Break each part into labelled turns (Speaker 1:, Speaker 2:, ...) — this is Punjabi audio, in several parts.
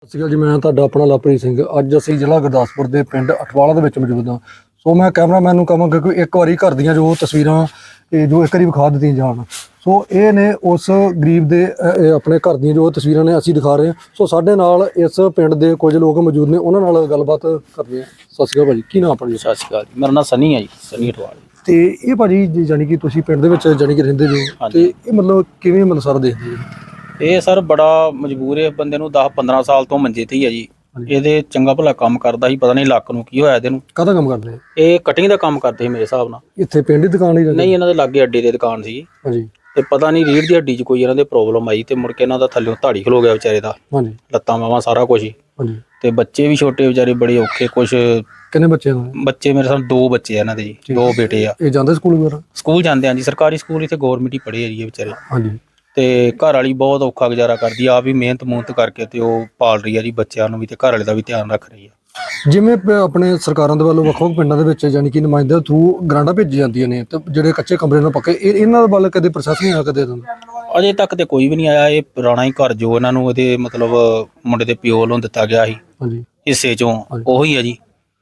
Speaker 1: ਸਤਿ ਸ਼੍ਰੀ ਅਕਾਲ ਜੀ। ਮੈਂ ਤੁਹਾਡਾ ਆਪਣਾ ਲਵਪ੍ਰੀਤ ਸਿੰਘ। ਅੱਜ ਅਸੀਂ ਜ਼ਿਲ੍ਹਾ ਗੁਰਦਾਸਪੁਰ ਦੇ ਪਿੰਡ ਅਠਵਾਲਾ ਦੇ ਵਿੱਚ ਮੌਜੂਦ ਹਾਂ। ਸੋ ਮੈਂ ਕੈਮਰਾਮੈਨ ਨੂੰ ਕਹਾਂਗਾ ਕਿ ਇੱਕ ਵਾਰੀ ਘਰ ਦੀਆਂ ਜੋ ਤਸਵੀਰਾਂ ਜੋ ਇੱਕ ਵਾਰੀ ਵਿਖਾ ਦਿੱਤੀਆਂ ਜਾਣ। ਸੋ ਇਹ ਨੇ ਉਸ ਗਰੀਬ ਦੇ ਆਪਣੇ ਘਰ ਦੀਆਂ ਜੋ ਤਸਵੀਰਾਂ ਨੇ ਅਸੀਂ ਦਿਖਾ ਰਹੇ ਹਾਂ। ਸੋ ਸਾਡੇ ਨਾਲ ਇਸ ਪਿੰਡ ਦੇ ਕੁਝ ਲੋਕ ਮੌਜੂਦ ਨੇ, ਉਹਨਾਂ ਨਾਲ ਗੱਲਬਾਤ ਕਰਦੇ ਹਾਂ। ਸਤਿ ਸ਼੍ਰੀ ਅਕਾਲ ਭਾਜੀ, ਕੀ ਨਾਮ ਆਪਣਾ ਜੀ?
Speaker 2: ਸਤਿ ਸ਼੍ਰੀ ਅਕਾਲ ਜੀ, ਮੇਰਾ ਨਾਮ ਸਨੀ ਹੈ ਜੀ, ਸਨੀ ਅਠਵਾਲ।
Speaker 1: ਤੇ ਇਹ ਭਾਜੀ ਜਾਨੀ ਕਿ ਤੁਸੀਂ ਪਿੰਡ ਦੇ ਵਿੱਚ ਜਾਨੀ ਕਿ ਰਹਿੰਦੇ ਜੋ, ਤੇ ਇਹ ਮਤਲਬ ਕਿਵੇਂ ਮਤਲਬ ਸਾਰਾ ਦੇਖਦੇ ਹੋ?
Speaker 2: ਇਹ ਸਰ ਬੜਾ ਮਜਬੂਰ ਹੈ ਬੰਦੇ ਨੂੰ, 10-15 ਸਾਲ ਤੋਂ ਮੰਜੇ ਤੇ ਹੀ ਹੈ ਜੀ। ਇਹਦੇ ਚੰਗਾ ਭਲਾ ਕੰਮ ਕਰਦਾ ਸੀ, ਪਤਾ ਨਹੀਂ ਲੱਕ ਨੂੰ ਕੀ ਹੋਇਆ ਇਹਦੇ ਨੂੰ।
Speaker 1: ਕਾਹਦਾ ਕੰਮ ਕਰਦੇ?
Speaker 2: ਇਹ ਕਟਿੰਗ ਦਾ ਕੰਮ ਕਰਦੇ ਸੀ ਮੇਰੇ ਹਿਸਾਬ ਨਾਲ।
Speaker 1: ਇੱਥੇ ਪਿੰਡ ਦੀ ਦੁਕਾਨ ਹੀ?
Speaker 2: ਨਹੀਂ, ਇਹਨਾਂ ਦੇ ਲਾਗੇ ਅੱਡੇ ਦੀ ਦੁਕਾਨ ਸੀ।
Speaker 1: ਹਾਂਜੀ।
Speaker 2: ਤੇ ਪਤਾ ਨਹੀਂ ਰੀੜ੍ਹ ਦੀ ਹੱਡੀ 'ਚ ਕੋਈ ਇਹਨਾਂ ਦੇ ਪ੍ਰੋਬਲਮ ਆਈ ਤੇ ਮੁੜ ਕੇ ਇਹਨਾਂ ਦਾ ਥੱਲਿਓਂ ਧਾੜੀ ਖਲੋ ਗਿਆ ਵਿਚਾਰੇ ਦਾ।
Speaker 1: ਹਾਂਜੀ।
Speaker 2: ਲੱਤਾਂ ਬਾਹਾਂ ਸਾਰਾ ਕੁਝ ਹੀ।
Speaker 1: ਹਾਂਜੀ।
Speaker 2: ਤੇ ਬੱਚੇ ਵੀ ਛੋਟੇ ਵਿਚਾਰੇ, ਬੜੇ ਔਖੇ। ਕੁਛ
Speaker 1: ਕਿੰਨੇ ਬੱਚੇ ਨੇ?
Speaker 2: ਬੱਚੇ ਮੇਰੇ ਸਾਹਮਣੇ 2 ਬੱਚੇ ਆ ਇਹਨਾਂ ਦੇ ਜੀ, 2 ਬੇਟੇ ਆ।
Speaker 1: ਇਹ ਜਾਂਦੇ ਸਕੂਲ ਵਗੈਰਾ?
Speaker 2: ਸਕੂਲ ਜਾਂਦੇ ਆ ਜੀ, ਸਰਕਾਰੀ ਸਕੂਲ ਇੱਥੇ ਗੌਰਮਿੰਟ ਹੀ ਪੜ੍ਹੇ ਆ ਜੀ ਇਹ ਵਿਚਾਰੇ।
Speaker 1: ਹਾਂਜੀ।
Speaker 2: ਤੇ ਘਰ ਵਾਲੀ ਬਹੁਤ ਔਖਾ ਗੁਜ਼ਾਰਾ ਕਰਦੀ ਆ, ਆਪ ਵੀ ਮਿਹਨਤ ਕਰਕੇ ਤੇ ਉਹ ਪਾਲ ਰਹੀ ਆ ਜੀ ਬੱਚਿਆਂ ਨੂੰ ਵੀ, ਤੇ ਘਰ ਵਾਲੇ ਦਾ ਵੀ ਧਿਆਨ ਰੱਖ ਰਹੀ ਆ।
Speaker 1: ਜਿਵੇਂ ਆਪਣੇ ਸਰਕਾਰਾਂ ਦੇ ਵੱਲੋਂ ਵੱਖ-ਵੱਖ ਪਿੰਡਾਂ ਦੇ ਵਿੱਚ ਯਾਨੀ ਕਿ ਨੁਮਾਇੰਦਿਆਂ ਦੇ ਥਰੂ ਗ੍ਰਾਂਟਾਂ ਭੇਜੀ ਜਾਂਦੀਆਂ ਨੇ, ਤੇ ਜਿਹੜੇ ਕੱਚੇ ਕਮਰੇ ਨਾਲ ਪੱਕੇ, ਇਹਨਾਂ ਵੱਲ ਕਦੇ ਪ੍ਰੋਸੈਸ ਨਹੀਂ ਆਇਆ ਕਦੇ?
Speaker 2: ਅਜੇ ਤੱਕ ਤੇ ਕੋਈ ਵੀ ਨਹੀਂ ਆਇਆ। ਇਹ ਪੁਰਾਣਾ ਹੀ ਘਰ ਜੋ ਇਹਨਾਂ ਨੂੰ ਇਹਦੇ ਮਤਲਬ ਮੁੰਡੇ ਦੇ ਪਿਓ ਵੱਲੋਂ ਦਿੱਤਾ ਗਿਆ ਸੀ
Speaker 1: ਹਾਂਜੀ
Speaker 2: ਹਿੱਸੇ ਚੋਂ, ਉਹੀ ਆ ਜੀ।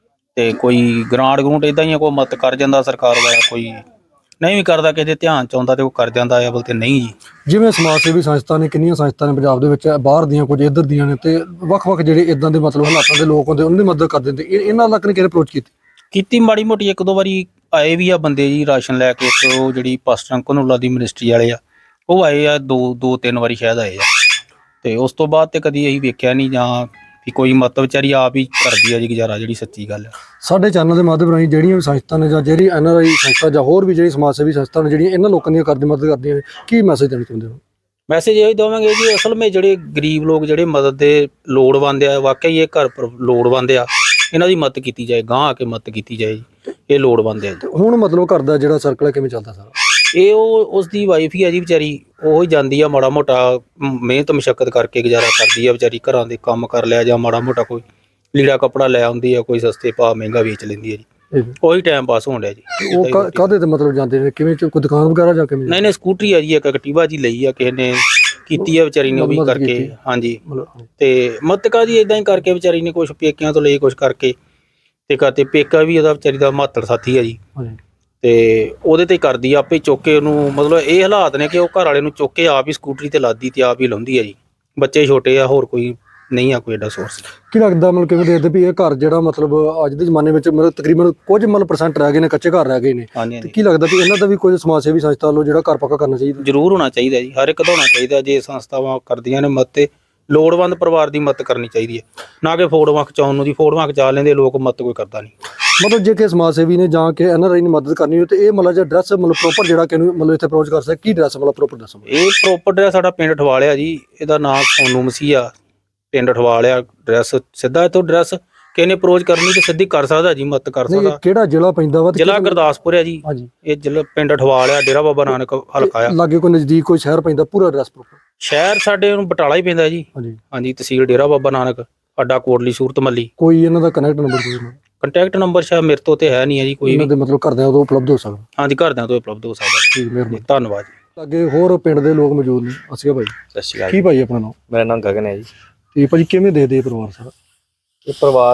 Speaker 2: ਤੇ ਕੋਈ ਗ੍ਰਾਂਟ ਗਰੂੰਟ ਇਦਾਂ ਹੀ ਆ, ਕੋਈ ਮਦਦ ਕਰ ਜਾਂਦਾ ਸਰਕਾਰ ਵਾਲਾ, ਕੋਈ ਨਹੀਂ ਵੀ ਕਰਦਾ, ਕਿਸੇ ਦੇ ਧਿਆਨ ਚ ਆਉਂਦਾ ਤੇ ਉਹ ਕਰ ਜਾਂਦਾ ਆ, ਬਲਕਿ ਨਹੀਂ ਜੀ।
Speaker 1: ਜਿਵੇਂ ਸਮਾਜ ਸੇਵੀ ਸੰਸਥਾ ਨੇ, ਕਿੰਨੀਆਂ ਸੰਸਥਾ ਨੇ ਪੰਜਾਬ ਦੇ ਵਿੱਚ, ਬਾਹਰ ਦੀਆਂ ਕੁਝ ਇੱਧਰ ਦੀਆਂ ਨੇ, ਤੇ ਵੱਖ-ਵੱਖ ਜਿਹੜੇ ਇਦਾਂ ਦੇ ਮਤਲਬ ਹਾਲਾਤਾਂ ਦੇ ਲੋਕ ਹੁੰਦੇ, ਉਹਨਾਂ ਦੀ ਮਦਦ ਕਰ ਦਿੰਦੇ। ਇਹਨਾਂ ਤੱਕ ਨੇ ਕਿਹੜੇ ਅਪਰੋਚ
Speaker 2: ਕੀਤੀ ਮਾੜੀ ਮੋਟੀ, 1-2 ਵਾਰੀ ਆਏ ਵੀ ਆ ਬੰਦੇ ਜੀ ਰਾਸ਼ਨ ਲੈ ਕੇ। ਇੱਕ ਉਹ ਜਿਹੜੀ ਪਾਸਟਰ ਘਨੌਲਾ ਦੀ ਮਿਨਿਸਟਰੀ ਵਾਲੇ ਆ, ਉਹ ਆਏ ਆ 2-3 ਵਾਰੀ ਸ਼ਾਇਦ ਆਏ ਆ। ਤੇ ਉਸ ਤੋਂ ਬਾਅਦ ਤੇ ਕਦੀ ਅਸੀਂ ਵੇਖਿਆ ਨਹੀਂ, ਜਾਂ ਵੀ ਕੋਈ ਮਦਦ ਵਿਚਾਰੀ ਆਪ ਹੀ ਕਰਦੀ ਆ ਜੀ ਗੁਜ਼ਾਰਾ, ਜਿਹੜੀ ਸੱਚੀ ਗੱਲ ਆ।
Speaker 1: ਸਾਡੇ ਚੈਨਲ ਦੇ ਮਾਧਿਅਮ ਰਾਹੀਂ ਜਿਹੜੀਆਂ ਵੀ ਸੰਸਥਾ ਨੇ, ਜਾਂ ਜਿਹੜੀ NRI ਸੰਸਥਾ, ਜਾਂ ਹੋਰ ਵੀ ਜਿਹੜੀ ਸਮਾਜ ਸੇਵੀ ਸੰਸਥਾ ਨੇ ਜਿਹੜੀਆਂ ਇਹਨਾਂ ਲੋਕਾਂ ਦੀਆਂ ਮਦਦ ਕਰਦੀਆਂ ਨੇ, ਕੀ ਮੈਸੇਜ ਦੇਣਾ ਚਾਹੁੰਦੇ ਹੋ?
Speaker 2: ਮੈਸੇਜ ਇਹ ਦੇਵਾਂਗੇ ਜੀ, ਅਸਲ ਵਿੱਚ ਜਿਹੜੇ ਗਰੀਬ ਲੋਕ ਜਿਹੜੇ ਮਦਦ ਦੇ ਲੋੜਵੰਦ ਆ, ਵਾਕਈ ਇਹ ਘਰ ਲੋੜਵੰਦ ਆ, ਇਹਨਾਂ ਦੀ ਮਦਦ ਕੀਤੀ ਜਾਏ, ਗਾਂਹ ਆ ਕੇ ਮਦਦ ਕੀਤੀ ਜਾਏ ਜੀ, ਇਹ ਲੋੜਵੰਦ ਆ ਜੀ।
Speaker 1: ਹੁਣ ਮਤਲਬ ਘਰ ਦਾ ਜਿਹੜਾ ਸਰਕਲ ਹੈ ਕਿਵੇਂ ਚੱਲਦਾ ਸਾਰਾ?
Speaker 2: ਇਹ ਉਸਦੀ ਵਾਈਫ ਹੀ ਆ ਜੀ ਵਿਚਾਰੀ, ਉਹ ਹੀ ਜਾਂਦੀ ਆ ਮਾੜਾ ਮੋਟਾ ਮਿਹਨਤ ਮਸ਼ੱਕਤ ਕਰਕੇ ਗੁਜ਼ਾਰਾ ਕਰਦੀ ਆ ਵਿਚਾਰੀ। ਘਰਾਂ ਦੇ ਕੰਮ ਕਰ ਲਿਆ, ਜਾਂ ਮਾੜਾ ਮੋਟਾ ਕੋਈ ਲੀੜਾ ਕੱਪੜਾ ਲੈ ਆਉਂਦੀ ਆ, ਕੋਈ ਸਸਤੇ ਭਾਅ ਮਹਿੰਗਾ ਵੇਚ ਲੈਂਦੀ ਆ ਜੀ, ਉਹੀ ਟਾਈਮ ਪਾਸ ਹੋਣ ਡਿਆ ਜੀ।
Speaker 1: ਉਹ ਕਾਹਦੇ ਤੇ ਮਤਲਬ ਜਾਂਦੇ ਨੇ, ਕਿਵੇਂ ਕੋਈ ਦੁਕਾਨ ਵਗੈਰਾ ਜਾ ਕੇ?
Speaker 2: ਨਹੀਂ, ਸਕੂਟਰੀ ਆ ਜੀ, ਇੱਕ ਐਕਟਿਵਾ ਜੀ ਲਈ ਆ ਕਿਸੇ ਨੇ, ਕੀਤੀ ਆ ਵਿਚਾਰੀ ਨੇ ਉਹ ਵੀ ਕਰਕੇ। ਹਾਂਜੀ। ਤੇ ਮਦਦ ਜੀ ਇਦਾਂ ਹੀ ਕਰਕੇ ਵਿਚਾਰੀ ਨੇ, ਕੁਛ ਪੇਕਿਆਂ ਤੋਂ ਲਈ, ਕੁਛ ਕਰਕੇ ਤੇ ਕਰਤੇ। ਪੇਕਾ ਵੀ ਉਹਦਾ ਵਿਚਾਰੀ ਦਾ ਮਾਤੜ ਸਾਥੀ ਆ ਜੀ, ਤੇ ਉਹਦੇ ਤੇ ਕਰਦੀ ਆ, ਆਪੇ ਚੁੱਕ ਕੇ ਉਹਨੂੰ। ਮਤਲਬ ਇਹ ਹਾਲਾਤ ਨੇ ਕਿ ਉਹ ਘਰ ਵਾਲੇ ਨੂੰ ਚੁੱਕ ਕੇ ਆਪ ਹੀ ਸਕੂਟਰੀ ਤੇ ਲਾਦੀ ਤੇ ਆਪ ਹੀ ਲਾਉਂਦੀ ਆ ਜੀ। ਬੱਚੇ ਛੋਟੇ ਆ, ਹੋਰ ਕੋਈ ਨਹੀਂ ਆ ਕੋਈ ਐਡਾ ਸੋਰਸ। ਕੀ
Speaker 1: ਲੱਗਦਾ ਮਤਲਬ ਕਿਵੇਂ ਦੇਖਦੇ ਵੀ ਇਹ ਘਰ ਜਿਹੜਾ ਮਤਲਬ ਅੱਜ ਦੇ ਜ਼ਮਾਨੇ ਵਿੱਚ ਮਤਲਬ ਤਕਰੀਬਨ ਕੁਝ ਮਤਲਬ % ਰਹਿ ਗਏ ਨੇ, ਕੱਚੇ ਘਰ ਰਹਿ ਗਏ ਨੇ?
Speaker 2: ਹਾਂਜੀ।
Speaker 1: ਕੀ ਲੱਗਦਾ ਵੀ ਇਹਨਾਂ ਦਾ ਵੀ ਕੋਈ ਸਮਾਜ ਸੇਵੀ ਸੰਸਥਾ ਵੱਲੋਂ ਜਿਹੜਾ ਘਰ ਪੱਕਾ ਕਰਨਾ ਚਾਹੀਦਾ?
Speaker 2: ਜ਼ਰੂਰ ਹੋਣਾ ਚਾਹੀਦਾ ਜੀ, ਹਰ ਇੱਕ ਦਾ ਹੋਣਾ ਚਾਹੀਦਾ। ਜੇ ਸੰਸਥਾਵਾਂ ਕਰਦੀਆਂ ਨੇ ਮਦਦ, ਤੇ ਲੋੜਵੰਦ ਪਰਿਵਾਰ ਦੀ ਮਦਦ ਕਰਨੀ ਚਾਹੀਦੀ ਹੈ, ਨਾ ਕਿ ਫੋਟੋਆਂ ਖਿਚਾਉਣ ਨੂੰ। ਦੀ ਫੋਟੋਆਂ ਖਿਚਾ ਲੈਂਦੇ ਲੋਕ, ਮਦਦ ਕੋਈ ਕਰਦਾ ਨਹੀਂ।
Speaker 1: ਮਤਲਬ ਜੇ ਕਿ ਸਮਾਜ ਸੇਵੀ ਨੇ ਜਾਂ ਕਿ NRI ਨੇ ਮਦਦ ਕਰਨੀ ਹੋਵੇ, ਤੇ ਇਹ ਮਤਲਬ ਐਡਰੈਸ ਮਤਲਬ ਪ੍ਰੋਪਰ ਜਿਹੜਾ ਕਿ ਮਤਲਬ ਇੱਥੇ ਅਪਰੋਚ ਕਰ ਸਕਦਾ, ਕੀ ਐਡਰੈਸ ਮਤਲਬ ਪ੍ਰੋਪਰ ਦੱਸੋ?
Speaker 2: ਇਹ ਪ੍ਰੋਪਰ ਐਡਰੈਸ ਸਾਡਾ ਪਿੰਡ ਅਠਵਾਲਿਆ ਜੀ, ਇਹਦਾ ਨਾਮ ਸੋਨੂ ਮਸੀਹ ਆ, ਪਿੰਡ ਅਠਵਾਲਿਆ। ਐਡਰੈਸ ਸਿੱਧਾ ਇੱਥੋਂ ਐਡਰੈਸ ਕਿਸੇ ਨੇ ਅਪਰੋਚ ਕਰਨੀ ਤੇ ਸਿੱਧੀ ਕਰ ਸਕਦਾ ਜੀ, ਮਦਦ ਕਰ ਸਕਦਾ।
Speaker 1: ਕਿਹੜਾ ਜ਼ਿਲ੍ਹਾ ਪੈਂਦਾ ਵਾ?
Speaker 2: ਜ਼ਿਲ੍ਹਾ ਗੁਰਦਾਸਪੁਰ ਹੈ ਜੀ। ਇਹ ਜ਼ਿਲ੍ਹਾ ਪਿੰਡ ਅਠਵਾਲਿਆ, ਡੇਰਾ ਬਾਬਾ ਨਾਨਕ ਹਲਕਾ ਆ।
Speaker 1: ਲਾਗੇ ਕੋਈ ਨਜ਼ਦੀਕ ਕੋਈ ਸ਼ਹਿਰ ਪੈਂਦਾ? ਪੂਰਾ ਐਡਰੈਸ ਪ੍ਰੋਪਰ
Speaker 2: ਸ਼ਹਿਰ ਸਾਡੇ ਨੂੰ ਬਟਾਲਾ ਹੀ ਪੈਂਦਾ ਜੀ। ਹਾਂਜੀ। ਤਹਿਸੀਲ ਡੇਰਾ ਬਾਬਾ ਨਾਨਕ, ਅੱਡਾ ਕੋਟਲੀ ਸੂਰਤ ਮੱਲੀ।
Speaker 1: ਕੋਈ ਇਹਨਾਂ ਦਾ ਕਨੈਕਟ ਨੰਬਰ?
Speaker 2: ਕੰਟੈਕਟ ਨੰਬਰ ਸ਼ਾਇਦ ਮੇਰੇ ਤੋਂ ਤੇ ਹੈ ਨਹੀਂ ਹੈ ਜੀ ਕੋਈ ਵੀ।
Speaker 1: ਮਤਲਬ ਘਰਦਿਆਂ ਤੋਂ ਉਪਲਬਧ ਹੋ ਸਕਦਾ? ਹਾਂਜੀ,
Speaker 2: ਘਰਦਿਆਂ ਤੋਂ ਉਪਲਬਧ ਹੋ ਸਕਦਾ।
Speaker 1: ਠੀਕ, ਮਿਹਰਬਾਨੀ,
Speaker 2: ਧੰਨਵਾਦ ਜੀ।
Speaker 1: ਅੱਗੇ ਹੋਰ ਪਿੰਡ ਦੇ ਲੋਕ ਮੌਜੂਦ ਨੇ। ਅਸੀਂ ਭਾਈ
Speaker 3: ਸਤਿ ਸ਼੍ਰੀ ਅਕਾਲ।
Speaker 1: ਕੀ ਭਾਈ ਆਪਣਾ ਨਾਮ?
Speaker 3: ਮੇਰਾ ਨਾਮ ਗਗਨ ਹੈ ਜੀ।
Speaker 1: ਤੇ ਭਾਜੀ ਕਿਵੇਂ ਦੇ ਪਰਿਵਾਰ ਸਾਰਾ?
Speaker 3: ਇਹ ਪਰਿਵਾਰ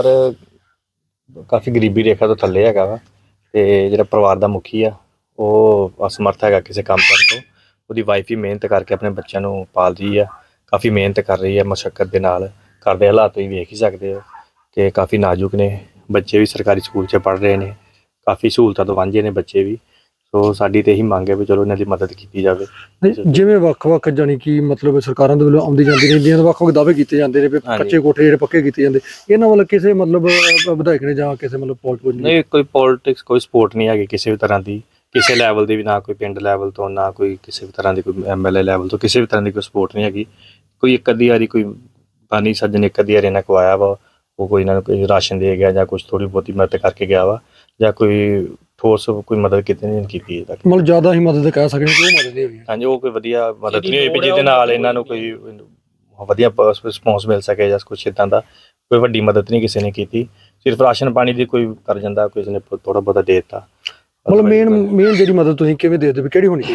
Speaker 3: ਕਾਫੀ ਗਰੀਬੀ ਰੇਖਾ ਤੋਂ ਥੱਲੇ ਹੈਗਾ ਵਾ, ਤੇ ਜਿਹੜਾ ਪਰਿਵਾਰ ਦਾ ਮੁਖੀ ਆ ਉਹ ਅਸਮਰਥ ਹੈਗਾ ਕਿਸੇ ਕੰਮ ਕਰਨ ਤੋਂ। ਉਹਦੀ ਵਾਈਫ ਹੀ ਮਿਹਨਤ ਕਰਕੇ ਆਪਣੇ ਬੱਚਿਆਂ ਨੂੰ ਪਾਲ ਰਹੀ ਆ, ਕਾਫੀ ਮਿਹਨਤ ਕਰ ਰਹੀ ਹੈ ਮਸ਼ੱਕਤ ਦੇ ਨਾਲ। ਘਰ ਦੇ ਹਾਲਾਤ ਤੁਸੀਂ ਵੇਖ ਹੀ ਸਕਦੇ ਹੋ ਕਿ ਕਾਫੀ ਨਾਜ਼ੁਕ ਨੇ। ਬੱਚੇ ਵੀ ਸਰਕਾਰੀ ਸਕੂਲ 'ਚ ਪੜ੍ਹ ਰਹੇ ਨੇ, ਕਾਫੀ ਸਹੂਲਤਾਂ ਤੋਂ ਵਾਂਝੇ ਨੇ ਬੱਚੇ ਵੀ। ਸੋ ਸਾਡੀ ਤੇ ਇਹੀ ਮੰਗ ਹੈ ਵੀ ਚਲੋ ਇਹਨਾਂ ਦੀ ਮਦਦ ਕੀਤੀ ਜਾਵੇ।
Speaker 1: ਜਿਵੇਂ ਵੱਖ-ਵੱਖ ਜਾਨੀ ਕਿ ਮਤਲਬ ਸਰਕਾਰਾਂ ਦੇ ਵੱਲੋਂ ਆਉਂਦੀ ਜਾਂਦੀ ਰਹਿੰਦੀਆਂ, ਵੱਖ-ਵੱਖ ਦਾਅਵੇ ਕੀਤੇ ਜਾਂਦੇ ਨੇ ਵੀ ਕੱਚੇ ਕੋਠੇ ਜਿਹੜੇ ਪੱਕੇ ਕੀਤੇ ਜਾਂਦੇ, ਇਹਨਾਂ ਵੱਲ ਕਿਸੇ ਮਤਲਬ ਵਿਧਾਇਕ ਨੇ ਜਾਂ ਕਿਸੇ ਮਤਲਬ ਪੋਲੀਟਿਕਸ
Speaker 3: ਨਹੀਂ, ਕੋਈ ਪੋਲੀਟਿਕਸ ਕੋਈ ਸਪੋਰਟ ਨਹੀਂ ਹੈਗੀ ਕਿਸੇ ਵੀ ਤਰ੍ਹਾਂ ਦੀ, ਕਿਸੇ ਲੈਵਲ ਦੀ ਵੀ, ਨਾ ਕੋਈ ਪਿੰਡ ਲੈਵਲ ਤੋਂ, ਨਾ ਕੋਈ ਕਿਸੇ ਵੀ ਤਰ੍ਹਾਂ ਦੀ, ਕੋਈ MLA ਲੈਵਲ ਤੋਂ, ਕਿਸੇ ਵੀ ਤਰ੍ਹਾਂ ਦੀ ਕੋਈ ਸਪੋਰਟ ਨਹੀਂ ਹੈਗੀ। ਕੋਈ ਇੱਕ ਅੱਧੀ ਵਾਰੀ ਕੋਈ ਬਾਨੀ ਸੱਜਣ ਇੱਕ ਅੱਧੀ ਵਾਰੀ ਇਹਨਾਂ ਕੋ ਆਇਆ ਵਾ, ਉਹ ਕੋਈ ਇਹਨਾਂ ਨੂੰ ਕੋਈ ਰਾਸ਼ਨ ਦੇ ਗਿਆ ਜਾਂ ਕੁਛ ਥੋੜ੍ਹੀ ਬਹੁਤੀ ਮਦਦ ਕਰਕੇ ਗਿਆ ਵਾ, ਜਾਂ ਕੋਈ ਠੋਸ ਕੋਈ ਮਦਦ ਕਿਤੇ ਨਹੀਂ ਕੀਤੀ ਅਜੇ ਤੱਕ।
Speaker 1: ਮਤਲਬ ਜ਼ਿਆਦਾ ਹੀ ਮਦਦ ਕਹਿ ਸਕਦੇ ਕਿ ਉਹ ਮਦਦ ਨਹੀਂ ਹੋਈ?
Speaker 3: ਹਾਂਜੀ, ਉਹ ਕੋਈ ਵਧੀਆ ਮਦਦ ਨਹੀਂ ਹੋਈ ਵੀ ਜਿਹਦੇ ਨਾਲ ਇਹਨਾਂ ਨੂੰ ਕੋਈ ਵਧੀਆ ਰਿਸਪੌਂਸ ਮਿਲ ਸਕੇ, ਜਾਂ ਕੁਛ ਇੱਦਾਂ ਦਾ ਕੋਈ ਵੱਡੀ ਮਦਦ ਨਹੀਂ ਕਿਸੇ ਨੇ ਕੀਤੀ। ਸਿਰਫ ਰਾਸ਼ਨ ਪਾਣੀ ਦੀ ਕੋਈ ਕਰ ਜਾਂਦਾ, ਕਿਸੇ ਨੇ ਥੋੜ੍ਹਾ ਬਹੁਤਾ ਦੇ ਦਿੱਤਾ।
Speaker 1: ਮਤਲਬ ਮੇਨ ਜਿਹੜੀ ਮਦਦ ਤੁਸੀਂ ਕਿਵੇਂ ਦੇਖਦੇ ਵੀ ਕਿਹੜੀ ਹੋਣੀ ਚਾਹੀਦੀ?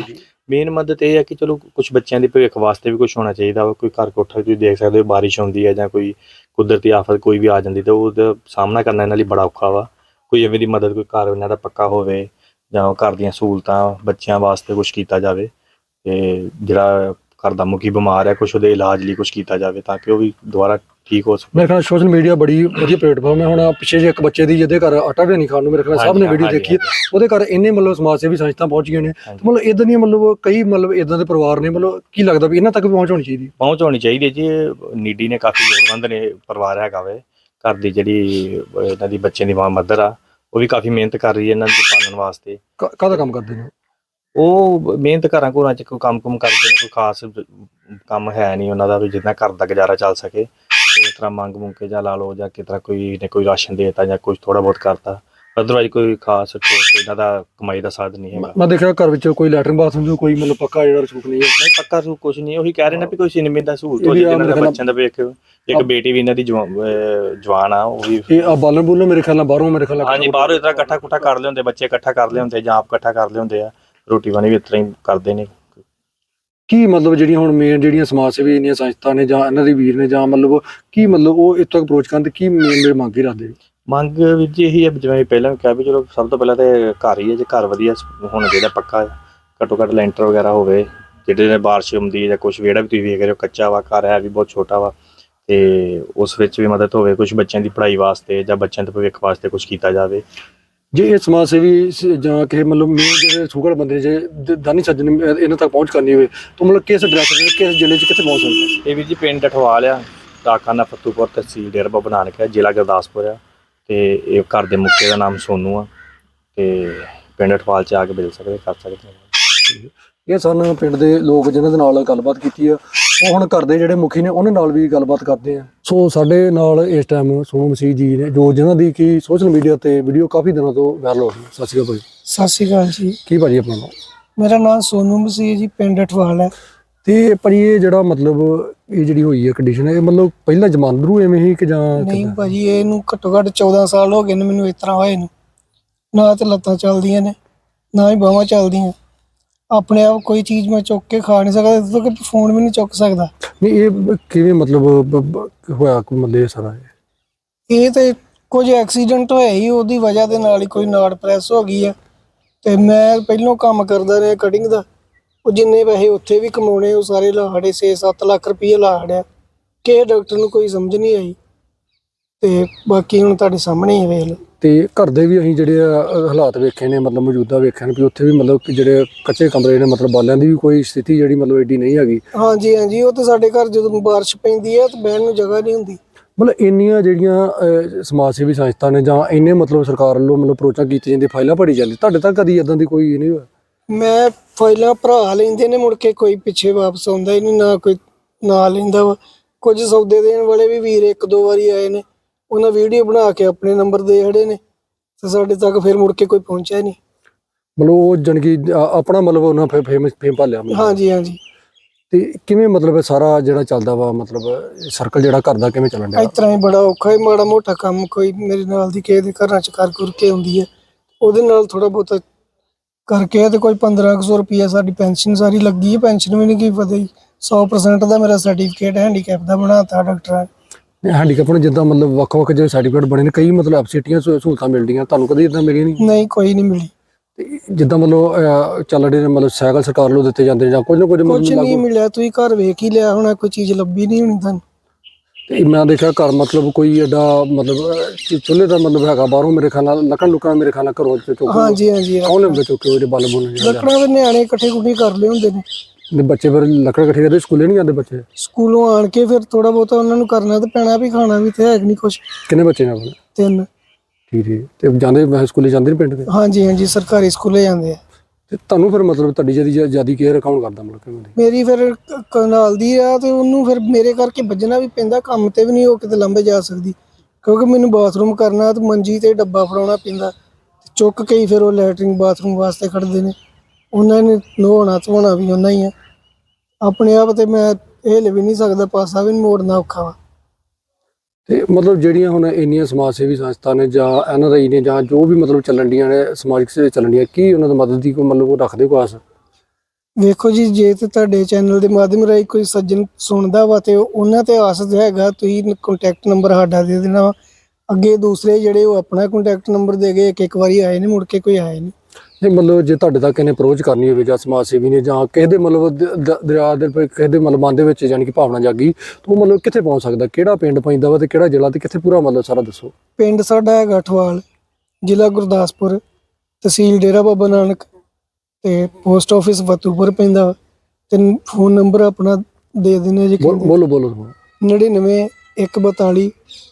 Speaker 3: ਮੇਨ ਮਦਦ ਇਹ ਹੈ ਕਿ ਚਲੋ ਕੁਝ ਬੱਚਿਆਂ ਦੇ ਭਵਿੱਖ ਵਾਸਤੇ ਵੀ ਕੁਝ ਹੋਣਾ ਚਾਹੀਦਾ ਵਾ। ਕੋਈ ਘਰ ਕੋਠਾ ਤੁਸੀਂ ਦੇਖ ਸਕਦੇ ਹੋ, ਬਾਰਿਸ਼ ਹੁੰਦੀ ਹੈ ਜਾਂ ਕੋਈ ਕੁਦਰਤੀ ਆਫਤ ਕੋਈ ਵੀ ਆ ਜਾਂਦੀ ਤਾਂ ਉਹਦਾ ਸਾਹਮਣਾ ਕਰਨਾ ਇਹਨਾਂ ਲਈ ਬੜਾ ਔਖਾ ਵਾ। ਕੋਈ ਐਵੇਂ ਦੀ ਮਦਦ, ਕੋਈ ਘਰ ਇਹਨਾਂ ਦਾ ਪੱਕਾ ਹੋਵੇ ਜਾਂ ਘਰ ਦੀਆਂ ਸਹੂਲਤਾਂ ਬੱਚਿਆਂ ਵਾਸਤੇ ਕੁਝ ਕੀਤਾ ਜਾਵੇ, ਤੇ ਜਿਹੜਾ ਘਰ ਦਾ ਮੁਖੀ ਬਿਮਾਰ ਹੈ ਕੁਝ ਉਹਦੇ ਇਲਾਜ ਲਈ ਕੁਝ ਕੀਤਾ ਜਾਵੇ ਤਾਂ ਕਿ ਉਹ ਵੀ ਦੁਬਾਰਾ ਠੀਕ ਹੋ ਸਕੇ।
Speaker 1: ਮੇਰੇ ਖਿਆਲ ਸੋਸ਼ਲ ਮੀਡੀਆ ਬੜੀ ਵਧੀਆ ਪਲੇਟਫਾਰਮ ਹੈ। ਹੁਣ ਪਿੱਛੇ ਜੇ ਇੱਕ ਬੱਚੇ ਦੀ ਜਿਹਦੇ ਘਰ ਆਟਾ ਵੀ ਨਹੀਂ ਖਾਣ ਨੂੰ, ਮੇਰੇ ਖਿਆਲ ਸਭ ਨੇ ਵੀਡੀਓ ਦੇਖੀ, ਉਹਦੇ ਘਰ ਇੰਨੇ ਮਤਲਬ ਸਮਾਜ ਸੇਵੀ ਸੰਸਥਾ ਪਹੁੰਚ ਗਈਆਂ ਨੇ। ਮਤਲਬ ਇਦਾਂ ਦੀਆਂ ਮਤਲਬ ਕਈ ਮਤਲਬ ਇਦਾਂ ਦੇ ਪਰਿਵਾਰ ਨੇ, ਮਤਲਬ ਕੀ ਲੱਗਦਾ ਵੀ ਇਹਨਾਂ ਤੱਕ ਵੀ ਪਹੁੰਚ ਹੋਣੀ ਚਾਹੀਦੀ?
Speaker 3: ਪਹੁੰਚ ਹੋਣੀ ਚਾਹੀਦੀ ਹੈ ਜੀ। ਨੀਡੀ ਨੇ ਕਾਫੀ ਲੋੜਵੰਦ ਨੇ ਪਰਿਵਾਰ ਹੈਗਾ ਵੇ। ਘਰ ਦੀ ਜਿਹੜੀ ਇਹਨਾਂ ਦੀ ਬੱਚੇ ਦੀ ਮਦਰ ਆ ਉਹ ਵੀ ਕਾਫੀ ਮਿਹਨਤ ਕਰ ਰਹੀ ਹੈ ਇਹਨਾਂ ਨੂੰ ਪਾਲਣ ਵਾਸਤੇ।
Speaker 1: ਕਾਹਦਾ ਕੰਮ ਕਰਦੇ ਨੇ
Speaker 3: ਉਹ? ਮਿਹਨਤ ਘਰਾਂ ਘਰਾਂ 'ਚ ਕੋਈ ਕੰਮ ਕਰਦੇ ਨੇ, ਕੋਈ ਖਾਸ ਕੰਮ ਹੈ ਨਹੀਂ ਉਹਨਾਂ ਦਾ ਵੀ ਜਿੱਦਾਂ ਘਰ ਦਾ ਗੁਜ਼ਾਰਾ ਚੱਲ ਸਕੇ। ਇਸ ਤਰ੍ਹਾਂ ਮੰਗ ਕੇ ਜਾਂ ਲਾ ਲਓ ਜਾਂ ਕਿਸ ਤਰ੍ਹਾਂ ਕੋਈ ਨੇ ਕੋਈ ਰਾਸ਼ਨ ਦੇ ਦਿੱਤਾ ਜਾਂ ਕੁਝ ਥੋੜਾ ਬਹੁਤ ਕਰਤਾ, ਅਦਰਵਾਈਜ਼ ਕੋਈ ਖਾਸ ਇਹਨਾਂ ਦਾ ਕਮਾਈ ਦਾ ਸਾਧਨ ਨਹੀਂ ਹੈਗਾ।
Speaker 1: ਮੈਂ ਦੇਖਿਆ ਘਰ ਵਿੱਚ ਕੋਈ ਲੈਟਰਿੰਗ ਬਾਥਰੂਮ ਕੋਈ ਮਤਲਬ ਪੱਕਾ ਜਿਹੜਾ ਰਸੂਖ ਨਹੀਂ ਹੈ।
Speaker 3: ਨਹੀਂ ਪੱਕਾ ਰਸੂਖ ਕੁਝ ਨਹੀਂ, ਉਹੀ ਕਹਿ ਰਹੇ ਨੇ ਵੀ ਕੋਈ ਸਿਨੇਮੇ ਦਾ ਸਹੂਲਤ ਹੋ ਜਾਏ। ਇਹਨਾਂ ਦੇ ਬੱਚਿਆਂ ਦਾ ਵੇਖ, ਇੱਕ ਬੇਟੀ ਵੀ ਇਹਨਾਂ ਦੀ ਜਵਾਨ ਆ, ਉਹ ਵੀ
Speaker 1: ਇਹ ਬਾਲਣ ਬੁੱਲਣ ਮੇਰੇ ਖਿਆਲ ਨਾਲ ਬਾਹਰੋਂ, ਮੇਰੇ ਖਿਆਲ ਨਾਲ
Speaker 3: ਹਾਂਜੀ ਬਾਹਰੋਂ ਇਸ ਤਰ੍ਹਾਂ ਇਕੱਠਾ ਕਰ ਲਿਆਉਂਦੇ, ਬੱਚੇ ਇਕੱਠਾ ਕਰ ਲਿਆਉਂਦੇ ਜਾਂ ਆਪ ਇਕੱਠਾ ਕਰ ਲਿਆਉਂਦੇ ਆ। ਰੋਟੀ ਪਾਣੀ ਵੀ ਇਸ ਤਰ੍ਹਾਂ ਹੀ ਕਰਦੇ ਨੇ।
Speaker 1: ਕੀ ਮਤਲਬ ਜਿਹੜੀਆਂ ਹੁਣ ਮੇਨ ਜਿਹੜੀਆਂ ਸਮਾਜ ਸੇਵੀ ਇੰਨੀਆਂ ਸੰਸਥਾ ਨੇ ਜਾਂ ਇਹਨਾਂ ਦੇ ਵੀਰ ਨੇ ਜਾਂ ਮਤਲਬ ਕੀ ਮਤਲਬ ਉਹ ਇੱਥੋਂ ਤੱਕ ਅਪਰੋਚ ਕਰਨ ਤੇ ਕੀ ਮੇਨ ਮੰਗ ਹੀ ਰੱਖਦੇ?
Speaker 3: ਮੰਗ ਵੀ ਜੀ ਇਹੀ ਹੈ, ਜਿਵੇਂ ਪਹਿਲਾਂ ਕਿਹਾ ਵੀ ਚਲੋ ਸਭ ਤੋਂ ਪਹਿਲਾਂ ਤੇ ਘਰ ਹੀ ਹੈ, ਜੇ ਘਰ ਵਧੀਆ ਹੋਣਾ ਚਾਹੀਦਾ ਪੱਕਾ, ਘੱਟੋ ਘੱਟ ਲੈਂਟਰ ਵਗੈਰਾ ਹੋਵੇ, ਜਿਹੜੇ ਬਾਰਿਸ਼ ਹੁੰਦੀ ਹੈ ਜਾਂ ਕੁਝ ਵਿਹੜਾ ਵੀ ਤੁਸੀਂ ਵੇਖ ਰਹੇ ਹੋ ਕੱਚਾ ਵਾ, ਘਰ ਹੈ ਵੀ ਬਹੁਤ ਛੋਟਾ ਵਾ, ਤੇ ਉਸ ਵਿੱਚ ਵੀ ਮਦਦ ਹੋਵੇ। ਕੁਝ ਬੱਚਿਆਂ ਦੀ ਪੜ੍ਹਾਈ ਵਾਸਤੇ ਜਾਂ ਬੱਚਿਆਂ ਦੇ ਭਵਿੱਖ ਵਾਸਤੇ ਕੁਝ ਕੀਤਾ ਜਾਵੇ।
Speaker 1: ਜੇ ਇਹ ਸਮਾਜ ਸੇਵੀ ਜਾਂ ਕਿਸੇ ਮਤਲਬ ਮੇਨ ਜਿਹੜੇ ਸੁਗੜ ਬੰਦੇ ਨੇ, ਜੇ ਦਾਨੀ ਸੱਜਣ ਇਹਨਾਂ ਤੱਕ ਪਹੁੰਚ ਕਰਨੀ ਹੋਵੇ ਤਾਂ ਮਤਲਬ ਕਿਸ ਐਡਰੈਸ ਤੇ ਕਿਸ ਜ਼ਿਲ੍ਹੇ 'ਚ ਕਿੱਥੇ ਪਹੁੰਚ ਸਕਦਾ?
Speaker 3: ਇਹ ਵੀ ਜੀ ਪਿੰਡ ਅਠਵਾਲ ਆ, ਡਾਕਖਾਨਾ ਫੱਤੂਪੁਰ, ਤਹਿਸੀਲ ਡੇਰਾ ਬਾਬਾ ਨਾਨਕ ਹੈ, ਜ਼ਿਲ੍ਹਾ ਗੁਰਦਾਸਪੁਰ ਆ, ਤੇ ਇਹ ਘਰ ਦੇ ਮੁਖੀ ਦਾ ਨਾਮ ਸੋਨੂ ਆ, ਤੇ ਪਿੰਡ ਅਠਵਾਲ 'ਚ ਆ ਕੇ ਮਿਲ ਸਕਦੇ, ਕਰ ਸਕਦੇ।
Speaker 1: ਇਹ ਸਨ ਪਿੰਡ ਦੇ ਲੋਕ ਜਿਨ੍ਹਾਂ ਦੇ ਨਾਲ ਗੱਲਬਾਤ ਕੀਤੀ ਆ। ਉਹ ਹੁਣ ਘਰ ਦੇ ਜਿਹੜੇ ਮੁਖੀ ਨੇ ਉਹਨਾਂ ਨਾਲ ਵੀ ਗੱਲਬਾਤ ਕਰਦੇ ਆ। ਸੋ ਸਾਡੇ ਨਾਲ ਇਸ ਟਾਈਮ ਸੋਨੂ ਮਸੀਹ ਜੀ ਨੇ, ਜੋ ਜਿਨ੍ਹਾਂ ਦੀ ਕਿ ਸੋਸ਼ਲ ਮੀਡੀਆ ਤੇ ਵੀਡੀਓ ਕਾਫੀ ਦਿਨਾਂ ਤੋਂ ਵਾਇਰਲ ਹੋ ਰਹੀ ਹੈ। ਸਤਿ ਸ਼੍ਰੀ ਅਕਾਲ ਭਾਈ।
Speaker 4: ਸਤਿ ਸ਼੍ਰੀ ਅਕਾਲ ਜੀ।
Speaker 1: ਕੀ ਭਾਜੀ ਆਪਣਾ ਨਾਮ?
Speaker 4: ਮੇਰਾ ਨਾਮ ਸੋਨੂ ਮਸੀਹ ਜੀ, ਪਿੰਡ ਅਠਵਾਲ ਹੈ।
Speaker 1: ਤੇ ਭਾਜੀ ਇਹ ਜਿਹੜਾ ਮਤਲਬ ਇਹ ਜਿਹੜੀ ਹੋਈ ਹੈ ਕੰਡੀਸ਼ਨ, ਇਹ ਮਤਲਬ ਪਹਿਲਾਂ ਜਮਾਂਦਰੂ ਐਵੇਂ ਹੀ ਕਿ ਜਾਂ
Speaker 4: ਨਹੀਂ ਭਾਜੀ, ਇਹਨੂੰ ਘੱਟੋ ਘੱਟ 14 ਸਾਲ ਹੋ ਗਏ ਨੇ ਮੈਨੂੰ ਇਸ ਤਰ੍ਹਾਂ ਹੋਏ ਨੂੰ। ਨਾ ਤੇ ਲੱਤਾਂ ਚੱਲਦੀਆਂ ਨੇ, ਨਾ ਹੀ ਬਾਹਾਂ ਚੱਲਦੀਆਂ। ਆਪਣੇ ਆਪ ਕੋਈ ਚੀਜ਼ ਮੈਂ ਚੁੱਕ ਕੇ ਖਾ ਨਹੀਂ ਸਕਦਾ, ਇੱਥੋਂ ਕਿ ਫੋਨ ਵੀ ਨਹੀਂ ਚੁੱਕ ਸਕਦਾ।
Speaker 1: ਨਹੀਂ ਇਹ ਕਿਵੇਂ ਮਤਲਬ ਹੋਇਆ ਮਤਲਬ ਇਹ ਸਾਰਾ?
Speaker 4: ਇਹ ਤੇ ਕੁਝ ਐਕਸੀਡੈਂਟ ਹੋਇਆ ਹੀ, ਉਹਦੀ ਵਜ੍ਹਾ ਦੇ ਨਾਲ ਹੀ ਕੋਈ ਨਾੜ ਪ੍ਰੈਸ ਹੋ ਗਈ ਆ। ਤੇ ਮੈਂ ਪਹਿਲੋਂ ਕੰਮ ਕਰਦਾ ਰਿਹਾ ਕਟਿੰਗ ਦਾ, ਉਹ ਜਿੰਨੇ ਪੈਸੇ ਉੱਥੇ ਵੀ ਕਮਾਉਣੇ ਉਹ ਸਾਰੇ ਲਾੜੇ 6-7 ਲੱਖ ਰੁਪਏ ਲਾੜਿਆ ਕਿ ਡਾਕਟਰ ਨੂੰ ਕੋਈ ਸਮਝ ਨਹੀਂ ਆਈ। ਤੇ ਬਾਕੀ ਹੁਣ ਤੁਹਾਡੇ ਸਾਹਮਣੇ ਹੀ ਵੇਖ ਲਓ।
Speaker 1: ਤੇ ਘਰ ਦੇ ਵੀ ਅਸੀਂ ਜਿਹੜੇ ਹਾਲਾਤ ਵੇਖੇ ਨੇ, ਮਤਲਬ ਮੌਜੂਦਾ ਵੇਖੇ ਨੇ ਵੀ ਉੱਥੇ ਵੀ ਮਤਲਬ ਕਿ ਜਿਹੜੇ ਕੱਚੇ ਕਮਰੇ ਨੇ, ਮਤਲਬ ਬਾਲਿਆਂ ਦੀ ਵੀ ਕੋਈ ਸਥਿਤੀ ਜਿਹੜੀ ਮਤਲਬ ਏਡੀ ਨਹੀਂ ਹੈਗੀ।
Speaker 4: ਹਾਂਜੀ ਹਾਂਜੀ, ਉਹ ਤਾਂ ਸਾਡੇ ਘਰ ਜਦੋਂ ਬਾਰਿਸ਼ ਪੈਂਦੀ ਹੈ ਤਾਂ ਬਹਿਣ ਨੂੰ ਜਗ੍ਹਾ ਨਹੀਂ ਹੁੰਦੀ।
Speaker 1: ਮਤਲਬ ਇੰਨੀਆਂ ਜਿਹੜੀਆਂ ਸਮਾਜ ਸੇਵੀ ਸੰਸਥਾ ਨੇ ਜਾਂ ਇੰਨੇ ਮਤਲਬ ਸਰਕਾਰ ਵੱਲੋਂ ਮਤਲਬ ਅਪਰੋਚਾਂ ਕੀਤੀਆਂ ਜਾਂਦੀਆਂ, ਫਾਈਲਾਂ ਭਰੀ ਜਾਂਦੀ, ਤੁਹਾਡੇ ਤੱਕ ਕਦੀ ਇਦਾਂ ਦੀ ਕੋਈ ਨਹੀਂ ਹੋਇਆ?
Speaker 4: ਮੈਂ ਫਾਈਲਾਂ ਭਰਾ ਲੈਂਦੇ ਨੇ, ਮੁੜ ਕੇ ਕੋਈ ਪਿੱਛੇ ਵਾਪਸ ਆਉਂਦਾ ਹੀ ਨਹੀਂ, ਨਾ ਕੋਈ ਨਾ ਲੈਂਦਾ ਵਾ। ਕੁਝ ਸੌਦੇ ਦੇਣ ਵਾਲੇ ਵੀ ਵੀਰ 1-2 ਵਾਰੀ ਆਏ ਨੇ, ਉਹਨਾਂ ਵੀਡੀਓ ਬਣਾ ਕੇ ਆਪਣੇ ਨੰਬਰ ਦੇ ਖੜੇ ਨੇ, ਤੇ ਸਾਡੇ ਤੱਕ ਫਿਰ ਮੁੜ ਕੇ ਕੋਈ ਪਹੁੰਚਿਆ ਨਹੀਂ।
Speaker 1: ਮਤਲਬ ਉਹ ਜਾਣੀ ਕਿ ਆਪਣਾ ਮਤਲਬ ਉਹਨਾਂ ਫੇਮ ਭਾਲਿਆ।
Speaker 4: ਹਾਂਜੀ ਹਾਂਜੀ।
Speaker 1: ਤੇ ਕਿਵੇਂ ਮਤਲਬ ਇਹ ਸਾਰਾ ਜਿਹੜਾ ਚੱਲਦਾ ਵਾ, ਮਤਲਬ ਸਰਕਲ ਜਿਹੜਾ ਘਰ ਦਾ ਕਿਵੇਂ ਚੱਲਣ ਡਿਆ?
Speaker 4: ਇਸ ਤਰ੍ਹਾਂ ਹੀ ਬੜਾ ਔਖਾ ਹੈ। ਮਾੜਾ ਮੋਟਾ ਕੰਮ ਕੋਈ ਮੇਰੇ ਨਾਲ ਦੀ ਕਿਸੇ ਦੇ ਘਰਾਂ 'ਚ ਕਰ ਕੇ ਆਉਂਦੀ ਹੈ, ਉਹਦੇ ਨਾਲ ਥੋੜਾ ਬਹੁਤਾ ਕਰਕੇ ਤੇ ਕੋਈ 1500 ਰੁਪਈਆ ਸਾਡੀ ਪੈਨਸ਼ਨ ਸਾਰੀ ਲੱਗੀ ਹੈ। ਪੈਨਸ਼ਨ ਵੀ ਨਹੀਂ ਕੀ ਪਤਾ ਹੀ 100% ਦਾ ਮੇਰਾ ਸਰਟੀਫਿਕੇਟ ਹੈਂਡੀਕੈਪ ਦਾ ਬਣਾਤਾ ਡਾਕਟਰਾਂ ਨੇ।
Speaker 1: ਹੈਂਡੀਕੈਪ ਨੂੰ ਜਿੱਦਾਂ ਮਤਲਬ ਵੱਖ-ਵੱਖ ਜਿਹੜੇ ਸਰਟੀਫਿਕੇਟ ਬਣੇ ਨੇ, ਕਈ ਮਤਲਬ ਐਬਸਿਟੀਆਂ ਸਹੂਲਤਾਂ ਮਿਲਦੀਆਂ, ਤੁਹਾਨੂੰ ਕਦੇ ਇਦਾਂ ਮਿਲੀਆਂ ਨਹੀਂ?
Speaker 4: ਨਹੀਂ, ਕੋਈ ਨਹੀਂ ਮਿਲੀ।
Speaker 1: ਤੇ ਜਿੱਦਾਂ ਮਤਲਬ ਚੱਲ ਰਹੇ ਨੇ, ਮਤਲਬ ਸਾਈਕਲ ਸਰਕਾਰ ਵੱਲੋਂ ਦਿੱਤੇ ਜਾਂਦੇ ਨੇ ਜਾਂ ਕੁਝ ਨਾ ਕੁਝ
Speaker 4: ਕੁਝ ਨਹੀਂ ਮਿਲਿਆ। ਤੁਸੀਂ ਘਰ ਵੇਖ ਹੀ ਲਿਆ ਹੋਣਾ, ਕੋਈ ਚੀਜ਼ ਲੱਭੀ ਨਹੀਂ ਹੋਣੀ ਤੁਹਾਨੂੰ।
Speaker 1: ਤੇ ਮੈਂ ਦੇਖਿਆ ਘਰ ਮਤਲਬ ਕੋਈ ਐਡਾ ਮਤਲਬ ਚੁੱਲ੍ਹੇ ਦਾ ਮਤਲਬ ਹੈਗਾ, ਬਾਹਰੋਂ ਮੇਰੇ ਖਿਆਲ ਨਾਲ ਲੱਕੜਾਂ ਮੇਰੇ ਖਿਆਲ ਨਾਲ ਘਰੋਂ ਚੁੱਕ
Speaker 4: ਹਾਂਜੀ ਹਾਂਜੀ,
Speaker 1: ਕੌਣ ਲਿਆਉਂਦੇ ਚੁੱਕ ਕੇ ਉਹਦੇ ਬਲ ਬੁਲ
Speaker 4: ਲੱਕੜਾਂ ਦੇ ਨਿਆਣੇ ਇਕੱਠੇ ਕਰ ਲਏ ਹੁੰਦੇ ਨੇ।
Speaker 1: ਦੇ ਬੱਚੇ ਫਿਰ ਲੱਕੜ ਇਕੱਠੇ ਕਰਦੇ, ਸਕੂਲੇ ਨਹੀਂ ਜਾਂਦੇ ਬੱਚੇ?
Speaker 4: ਸਕੂਲੋਂ ਆਣ ਕੇ ਫਿਰ ਥੋੜਾ ਬਹੁਤਾ ਉਹਨਾਂ ਨੂੰ ਕਰਨਾ ਤੇ ਪੈਣਾ, ਵੀ ਖਾਣਾ ਵੀ ਤੇ ਹੈ ਨਹੀਂ ਕੁਛ।
Speaker 1: ਕਿੰਨੇ ਬੱਚੇ ਨੇ ਆਪਣੇ?
Speaker 4: 3।
Speaker 1: ਠੀਕ ਤੇ ਜਾਂਦੇ ਸਕੂਲੇ ਜਾਂਦੇ ਨੇ ਪਿੰਡ ਦੇ?
Speaker 4: ਹਾਂਜੀ ਹਾਂਜੀ, ਸਰਕਾਰੀ ਸਕੂਲੇ ਜਾਂਦੇ ਆ।
Speaker 1: ਤੇ ਤੁਹਾਨੂੰ ਫਿਰ ਮਤਲਬ ਤੁਹਾਡੀ ਜਿਆਦਾ ਕੇਅਰ ਕੌਣ ਕਰਦਾ ਮਤਲਬ ਕਿਵੇਂ ਦੀ?
Speaker 4: ਮੇਰੀ ਫਿਰ ਨਾਲ ਦੀ ਆ, ਤੇ ਉਹਨੂੰ ਫਿਰ ਮੇਰੇ ਕਰਕੇ ਵੱਜਣਾ ਵੀ ਪੈਂਦਾ, ਕੰਮ ਤੇ ਵੀ ਨਹੀਂ ਉਹ ਕਿਤੇ ਲੰਬੇ ਜਾ ਸਕਦੀ, ਕਿਉਂਕਿ ਮੈਨੂੰ ਬਾਥਰੂਮ ਕਰਨਾ ਤੇ ਮੰਜੀ ਤੇ ਡੱਬਾ ਫੜਾਉਣਾ ਪੈਂਦਾ। ਚੁੱਕ ਕੇ ਹੀ ਫਿਰ ਉਹ ਲੈਟਰਿੰਗ ਬਾਥਰੂਮ ਵਾਸਤੇ ਖੜਦੇ ਨੇ, ਉਹਨਾਂ ਨੇ ਨਹਾਉਣਾ ਧੋਣਾ ਵੀ ਉਹਨਾਂ ਹੀ ਆ। ਆਪਣੇ ਆਪ ਤੇ ਮੈਂ ਹਿੱਲ ਵੀ ਨਹੀਂ ਸਕਦਾ, ਪਾਸਾ ਵੀ ਨਹੀਂ ਮੋੜਨਾ, ਔਖਾ ਵਾ।
Speaker 1: ਤੇ ਮਤਲਬ ਜਿਹੜੀਆਂ ਹੁਣ ਇੰਨੀਆਂ ਸਮਾਜ ਸੇਵੀ ਸੰਸਥਾ ਨੇ ਜਾਂ NRI ਨੇ ਜਾਂ ਜੋ ਵੀ ਮਤਲਬ ਚੱਲਣ ਡੀਆਂ ਨੇ ਸਮਾਜਿਕ ਸੇ ਚੱਲਣ ਡੀਆਂ, ਕੀ ਉਹਨਾਂ ਦੀ ਮਦਦ ਦੀ ਕੋਈ ਮਤਲਬ ਉਹ ਰੱਖਦੇ ਕੋਈ ਆਸ?
Speaker 4: ਵੇਖੋ ਜੀ, ਜੇ ਤੇ ਤੁਹਾਡੇ ਚੈਨਲ ਦੇ ਮਾਧਿਅਮ ਰਾਹੀਂ ਕੋਈ ਸੱਜਣ ਸੁਣਦਾ ਵਾ ਤੇ ਉਹਨਾਂ ਤੇ ਆਸ ਹੈਗਾ, ਤੁਸੀਂ ਕੰਟੈਕਟ ਨੰਬਰ ਸਾਡਾ ਦੇ ਦੇਣਾ ਵਾ। ਅੱਗੇ ਦੂਸਰੇ ਜਿਹੜੇ ਉਹ ਆਪਣਾ ਕੰਟੈਕਟ ਨੰਬਰ ਦੇ ਗਏ, ਇੱਕ ਵਾਰੀ ਆਏ ਨੇ, ਮੁੜ ਕੇ ਕੋਈ ਆਇਆ ਨਹੀਂ।
Speaker 1: ਨਹੀਂ ਮਤਲਬ ਜੇ ਤੁਹਾਡੇ ਤੱਕ ਇਹਨੇ ਅਪਰੋਚ ਕਰਨੀ ਹੋਵੇ ਜਾਂ ਸਮਾਜ ਸੇਵੀ ਨੇ ਜਾਂ ਕਿਸੇ ਦੇ ਮਤਲਬ ਦਰਿਆ ਦੇ ਕਿਸੇ ਦੇ ਮਤਲਬ ਮਨ ਦੇ ਵਿੱਚ ਯਾਨੀ ਕਿ ਭਾਵਨਾ ਜਾਗੀ ਤਾਂ ਉਹ ਮਤਲਬ ਕਿੱਥੇ ਪਹੁੰਚ ਸਕਦਾ, ਕਿਹੜਾ ਪਿੰਡ ਪੈਂਦਾ ਵਾ ਤੇ ਕਿਹੜਾ ਜ਼ਿਲ੍ਹਾ ਤੇ ਕਿੱਥੇ ਪੂਰਾ ਮਤਲਬ ਸਾਰਾ ਦੱਸੋ।
Speaker 4: ਪਿੰਡ ਸਾਡਾ ਹੈਗਾ ਅਠਵਾਲ, ਜ਼ਿਲ੍ਹਾ ਗੁਰਦਾਸਪੁਰ, ਤਹਿਸੀਲ ਡੇਰਾ ਬਾਬਾ ਨਾਨਕ ਤੇ ਪੋਸਟ ਆਫਿਸ ਫਤੂਪੁਰ ਪੈਂਦਾ ਵਾ। ਤੇ ਫੋਨ ਨੰਬਰ ਆਪਣਾ ਦੇ ਦਿੰਦੇ ਜੀ।
Speaker 1: ਬੋਲੋ ਬੋਲੋ
Speaker 4: 99 142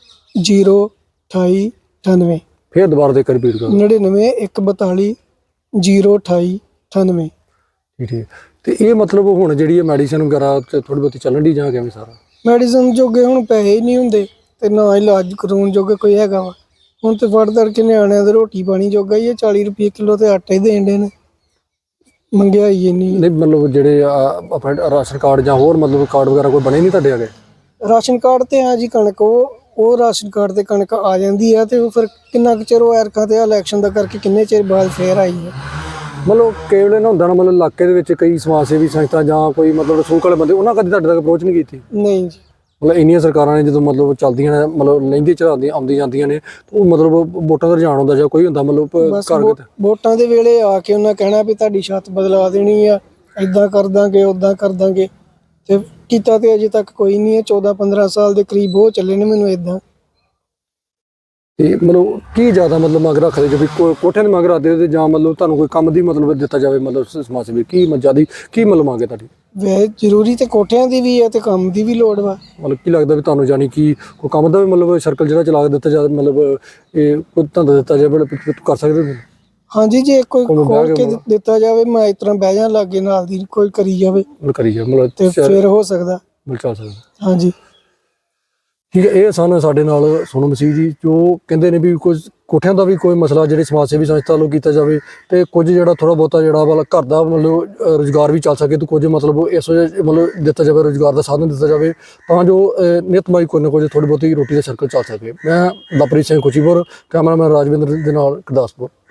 Speaker 4: 028 98।
Speaker 1: ਫੇਰ ਦੁਬਾਰਾ ਦੇ ਕੇ ਰਿਪੀਟ ਕਰੋ।
Speaker 4: 99 142 028 98।
Speaker 1: ਠੀਕ ਹੈ। ਤੇ ਇਹ ਮਤਲਬ ਹੁਣ ਜਿਹੜੀ ਹੈ ਮੈਡੀਸਨ ਵਗੈਰਾ ਥੋੜੀ ਬਹੁਤੀ ਚੱਲਣ ਦੀ ਜਾਂ ਕਿਵੇਂ ਸਾਰਾ।
Speaker 4: ਮੈਡੀਸਨ ਜੋਗੇ ਹੁਣ ਪੈਸੇ ਹੀ ਨਹੀਂ ਹੁੰਦੇ ਤੇ ਨਾ ਇਲਾਜ ਕਰਾਉਣ ਜੋਗੇ ਕੋਈ ਹੈਗਾ ਵਾ। ਹੁਣ ਤੇ ਫੜ ਦੜ ਕੇ ਨਿਆਣਿਆਂ ਦੇ ਰੋਟੀ ਪਾਣੀ ਜੋਗਾ ਹੀ 40 ਰੁਪਏ ਕਿਲੋ ਤੇ ਆਟਾ ਹੀ ਦੇਣ ਦੇ ਨੇ। ਮਹਿੰਗਾਈ ਇੰਨੀ।
Speaker 1: ਨਹੀਂ ਮਤਲਬ ਜਿਹੜੇ ਆਪਣੇ ਰਾਸ਼ਨ ਕਾਰਡ ਜਾਂ ਹੋਰ ਮਤਲਬ ਕਾਰਡ ਵਗੈਰਾ ਕੋਈ ਬਣੇ ਨਹੀਂ ਤੁਹਾਡੇ ਅੱਗੇ।
Speaker 4: ਰਾਸ਼ਨ ਕਾਰਡ ਤੇ ਆ ਜੀ ਕਣਕ ਉਹ ਰਾਸ਼ਨ ਕਾਰਡ ਤੇ ਕਣਕ ਆ ਜਾਂਦੀ ਆ ਤੇ ਉਹ ਫਿਰ ਕਿੰਨਾ ਕੁ ਚਿਰ ਉਹ ਐਰਕਾਂ ਤੇ ਇਲੈਕਸ਼ਨ ਦਾ ਕਰਕੇ ਕਿੰਨੇ ਚਿਰ ਬਾਅਦ ਫੇਰ ਆਈ ਹੈ।
Speaker 1: ਮਤਲਬ ਕੇਵਲ ਨਾ ਹੁੰਦਾ ਨਾ ਮਤਲਬ ਇਲਾਕੇ ਦੇ ਵਿੱਚ ਕਈ ਸਮਾਜ ਸੇਵੀ ਸੰਸਥਾ ਜਾਂ ਕੋਈ ਮਤਲਬ ਰਸੂਖ ਵਾਲੇ ਬੰਦੇ ਉਹਨਾਂ ਕਦੇ ਤੁਹਾਡੇ ਤੱਕ ਅਪਰੋਚ ਨਹੀਂ ਕੀਤੀ।
Speaker 4: ਨਹੀਂ ਜੀ।
Speaker 1: ਮਤਲਬ ਇੰਨੀਆਂ ਸਰਕਾਰਾਂ ਨੇ ਜਦੋਂ ਮਤਲਬ ਚੱਲਦੀਆਂ ਨੇ ਮਤਲਬ ਲੈਂਦੀ ਚੜਾਉਂਦੀਆਂ ਆਉਂਦੀ ਜਾਂਦੀਆਂ ਨੇ ਉਹ ਮਤਲਬ ਵੋਟਾਂ ਦਾ ਰੁਝਾਨ ਹੁੰਦਾ ਜਾਂ ਕੋਈ ਹੁੰਦਾ ਮਤਲਬ
Speaker 4: ਬਸ
Speaker 1: ਘਰ
Speaker 4: ਵੋਟਾਂ ਦੇ ਵੇਲੇ ਆ ਕੇ ਉਹਨਾਂ ਕਹਿਣਾ ਵੀ ਤੁਹਾਡੀ ਛੱਤ ਬਦਲਾ ਦੇਣੀ ਆ, ਏਦਾਂ ਕਰ ਦਾਂਗੇ ਓਦਾਂ ਕਰ ਦਾਂਗੇ ਤੇ ਕੀਤਾ ਤੇ ਅਜੇ ਤੱਕ ਕੋਈ ਨਹੀਂ ਹੈ। 14-15 ਸਾਲ ਦੇ ਕਰੀਬ ਹੋ ਚੱਲੇ ਨੇ ਮੈਨੂੰ ਏਦਾਂ।
Speaker 1: ਤੇ ਮਤਲਬ ਕੀ ਜ਼ਿਆਦਾ ਮਤਲਬ ਮੰਗ ਰੱਖਦੇ ਜੋ ਵੀ ਕੋਠਿਆਂ ਦੀ ਮੰਗ ਰੱਖਦੇ ਹੋ ਤੇ ਜਾਂ ਮਤਲਬ ਤੁਹਾਨੂੰ ਕੋਈ ਕੰਮ ਦੀ ਮਤਲਬ ਦਿੱਤਾ ਜਾਵੇ ਮਤਲਬ ਸਮਾਜ ਸੇਵੀ ਕੀ ਜ਼ਿਆਦਾ ਕੀ ਮਤਲਬ ਮੰਗ ਹੈ ਤੁਹਾਡੀ।
Speaker 4: ਵੈਸੇ ਜ਼ਰੂਰੀ ਤੇ ਕੋਠਿਆਂ ਦੀ ਵੀ ਹੈ ਤੇ ਕੰਮ ਦੀ ਵੀ ਲੋੜ ਵਾ।
Speaker 1: ਮਤਲਬ ਕੀ ਲੱਗਦਾ ਵੀ ਤੁਹਾਨੂੰ ਜਾਨੀ ਕਿ ਕੋਈ ਕੰਮ ਦਾ ਵੀ ਮਤਲਬ ਸਰਕਲ ਜਿਹੜਾ ਚਲਾ ਕੇ ਦਿੱਤਾ ਜਾਵੇ ਮਤਲਬ ਇਹ ਕੋਈ ਧੰਦਾ ਦਿੱਤਾ ਜਾਵੇ ਤੂੰ ਕਰ ਸਕਦੇ ਹੋ।
Speaker 4: ਹਾਂਜੀ, ਜੇ ਕੋਈ ਖੋਲ ਕੇ ਦਿੱਤਾ ਜਾਵੇ ਮੈਂ ਇਸ ਤਰ੍ਹਾਂ ਬਹਿ ਜਾ ਲਾਗੇ ਨਾਲ ਦੀ ਕੋਈ ਕਰੀ ਜਾਵੇ
Speaker 1: ਕਰੀ ਜਾਵੇ ਮਤਲਬ
Speaker 4: ਤੇ ਫਿਰ ਹੋ ਸਕਦਾ
Speaker 1: ਚੱਲ ਸਕਦਾ।
Speaker 4: ਹਾਂਜੀ
Speaker 1: ਠੀਕ ਹੈ। ਇਹ ਸਨ ਸਾਡੇ ਨਾਲ ਸੋਨੂ ਮਸੀਹ ਜੀ ਜੋ ਕਹਿੰਦੇ ਨੇ ਵੀ ਕੁਝ ਕੋਠਿਆਂ ਦਾ ਵੀ ਕੋਈ ਮਸਲਾ ਜਿਹੜੇ ਸਮਾਜ ਸੇਵੀ ਸੰਸਥਾ ਵੱਲੋਂ ਕੀਤਾ ਜਾਵੇ ਤੇ ਕੁਝ ਜਿਹੜਾ ਥੋੜਾ ਬਹੁਤਾ ਜਿਹੜਾ ਵਾਲਾ ਘਰ ਦਾ ਮਤਲਬ ਰੁਜ਼ਗਾਰ ਵੀ ਚੱਲ ਸਕੇ ਤੇ ਕੁਝ ਮਤਲਬ ਇਸ ਮਤਲਬ ਦਿੱਤਾ ਜਾਵੇ ਰੁਜ਼ਗਾਰ ਦਾ ਸਾਧਨ ਦਿੱਤਾ ਜਾਵੇ ਤਾਂ ਜੋ ਨਿਤਮਾਈ ਕੋਈ ਨਾ ਕੁਝ ਥੋੜੀ ਬਹੁਤੀ ਰੋਟੀ ਦਾ ਸਰਕਲ ਚੱਲ ਸਕੇ। ਮੈਂ ਲਵਪ੍ਰੀਤ ਸਿੰਘ ਖੁਸ਼ੀਪੁਰ, ਕੈਮਰਾਮੈਨ ਰਾਜਵਿੰਦਰ ਦੇ ਨਾਲ ਗੁਰਦਾਸਪੁਰ।